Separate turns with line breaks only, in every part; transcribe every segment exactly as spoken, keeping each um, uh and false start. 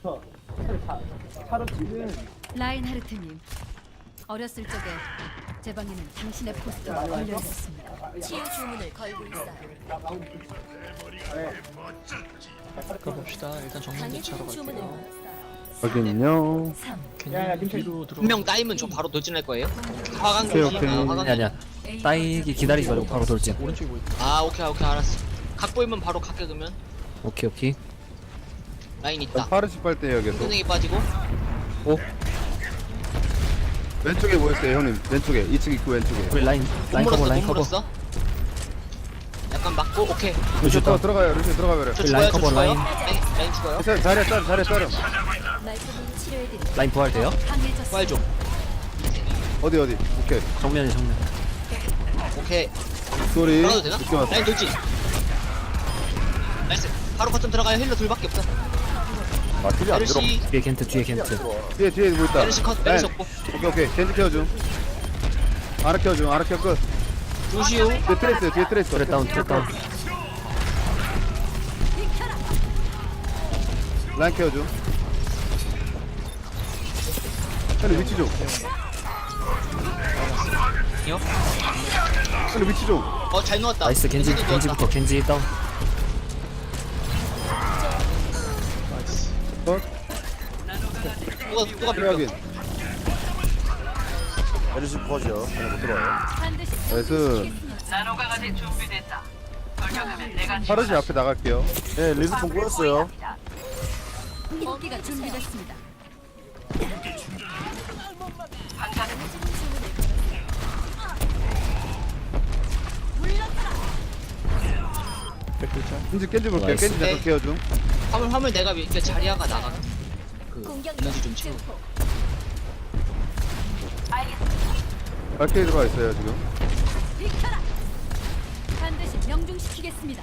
라인하르트님, 어렸을 적에 제 방에는 당신의 포스터가 걸려 있었습니다.
치유 주문을 걸고 있어요.
가봅시다. 일단 정면 대치하러
강해진 주문을
갈게요.
걸었어요.
확인요.
괜히 뒤로 들어.
분명 따이면 저 바로 돌진할 거예요. 화강
오케이,
조심.
오케이.
아, 화강.
아니 아니야. 따이기 기다리지 말고 바로 돌진.
오른쪽에 뭐 있다.
아 오케이 오케이 알았어. 각 보이면 바로 각게 그러면
오케이 오케이.
라인 있다.
파르시 빨대요 계속.
선생이 빠지고.
왼쪽에 뭐 있어요 형님? 왼쪽에 이 층 입구 왼쪽에.
우리 라인
못
라인 커버
물었어
라인
못
커버.
물었어. 약간 맞고 오케이.
루시
다운.
들어가요. 루시 들어가요.
저
우리
죽어요
라인
저
커버,
죽어요.
라인.
라인 라인 죽어요.
자리에 자리에 따름 자리에 따름.
말끔히 치료해드릴게요.
라인 부활 돼요?
강해졌습니다.
부활 좀.
어디 어디. 오케이.
정면이 정면.
오케이.
소리.
들어가도 되나?
늦게 왔어.
라인 돌진. 나이스. 바로 거점 들어가요. 힐러 둘밖에 없어.
아 킬이 안 들어.
메르시
뒤에 겐트 뒤에 겐트.
뒤에 뒤에 뭐 있다.
메르시 컷 메르시
네.
없고.
오케이 오케이. 겐지 키워줘. 아라 키워줘. 아라 키워 끝.
루시우.
뒤에 트레이스 뒤에 트레이스.
트레 다운 트레 다운.
라인 키워줘. 형님 위치 좀.
이요?
형님 위치 좀.
어잘 넣었다.
나이스 겐지
겐지도
겐지부터
넣었다.
겐지 다운.
컷.
누가 누가
그래
비벼.
확인.
메르시 퍼지요. 안에 못 들어와요.
반드시
나이스. 파르시 앞에 나갈게요.
네, 리스폰 꼬였어요.
인기가 준비됐습니다.
겐지 겐지 볼게요.
나이스.
겐지 잠깐 키워줘.
화물 화물 내가 이렇게 자리아가 나가. 그
공격
에너지 좀 채워.
증폭.
발키리 들어가 있어요 지금.
비켜라. 반드시 명중시키겠습니다.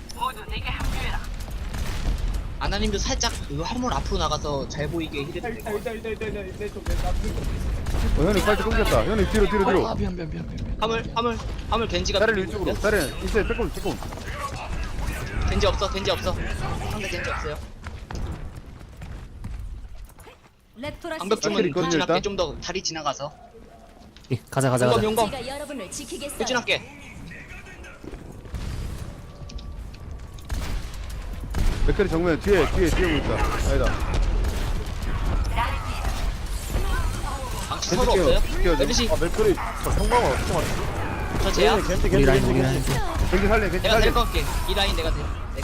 아나님도 살짝 그 화물 앞으로 나가서 잘 보이게 힐을 될 거야.
어, 형님 빨리 끊겼다. 형님 뒤로 뒤로 뒤로.
아 미안 미안 미안 미안.
화물 화물 화물 겐지가
다리를 이쪽으로. 다리는 있어요. 조금 조금.
겐지 없어 겐지 없어. 상대 겐지 없어요.
레토라시
방벽 주면
발키리 있거든요,
돌진할게.
일단.
좀 더 다리 지나가서.
이, 가자 가자
용검
가자.
용검
제가 여러분을 지키겠어요.
돌진할게.
맥클이 정면 뒤에 뒤에 뒤에 보고 있다. 아니다.
방치
겐지
서로
키워.
없어요?
키워줘.
메르시
아, 맥크리 저 성광을 어떻게 맞지?
저 제야.
겐지, 겐지,
우리
겐지,
라인
겐지,
우리
겐지.
라인.
겐지 살려. 겐지
내가
살려.
데리고 갈게. 이 라인 내가 돼. 네.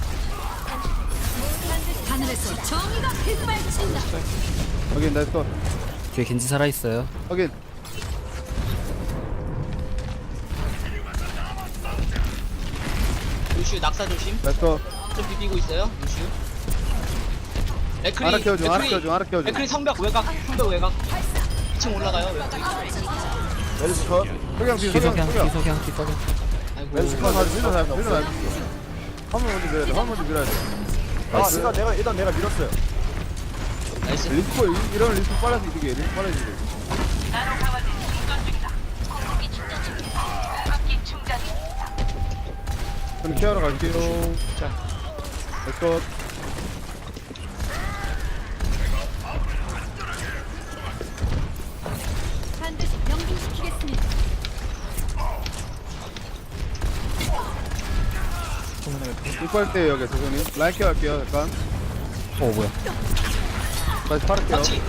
하늘에서 정의가 빗발친다.
확인 나이스 컷.
뒤에 겐지 살아 있어요.
확인.
루시우 낙사 조심.
나이스 컷.
좀 비비고 있어요. 루시우. 맥크리
알아 키워줘. 알아
맥크리
키워줘. 알아 키워줘.
맥크리 성벽 외곽 성벽 외곽. 이 층 올라가요. 외곽.
메르시 컷.
석양 뒤 석양
기석양
석양.
기석양 기석양.
아이고.
메르시
한번
컷.
가서 밀어 놔. 밀어 놔. 화물 먼저 밀어야 돼. 화물 먼저 밀어야 돼.
아,
나이스.
내가, 내가, 일단 내가 밀었어요.
나이스.
리스코 이- 이런 리스코 빨라서 이득이 리스코 빨라서 이득. 그럼 케어러 갈게요.
자
나이스 컷.
반드시 명중시키겠습니다.
이빨 때 여기 도전님 라인 케어 할게요. 잠깐.
어 뭐야?
다시 팔을게요.
같이.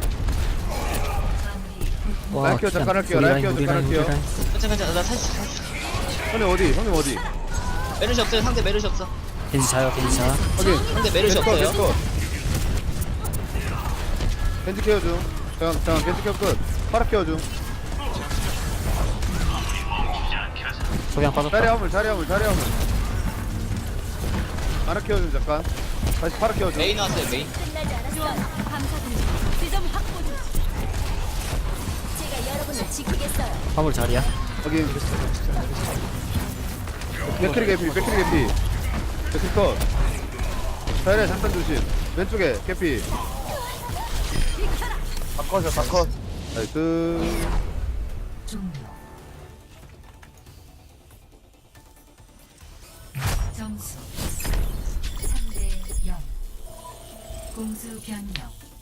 와
라인 케어
키안.
잠깐 할게요.
우리
라인
라인
케어
우리
잠깐
라인 우리
할게요.
라인.
괜찮아 괜찮아. 나 살수 있어.
형님 어디? 형님 어디?
메르시 없어요. 상대 메르시 없어.
겐지 자요 겐지 자.
확인.
상대 메르시
컷,
없어요.
컷. 겐지 케어줘. 잠깐 잠깐 겐지 케어 끝. 파라 케어줘.
석양 빠졌다.
자리 화물 자리 화물 자리 화물. 파라 케어줘 잠깐. 다시 파라 케어줘.
메인 왔어요 메인.
끝나지 않았어요.
감사드립니다. 지점 확보 중.
제가 여러분을 지키겠어요.
화물 자리야.
확인. 맥크리 개피 맥크리 개피. 맥크리 컷. 자리에 잠깐 조심. 왼쪽에 개피.
다 컷이요, 다 컷.
나이스.
점수 삼 대 영. 공수 변경.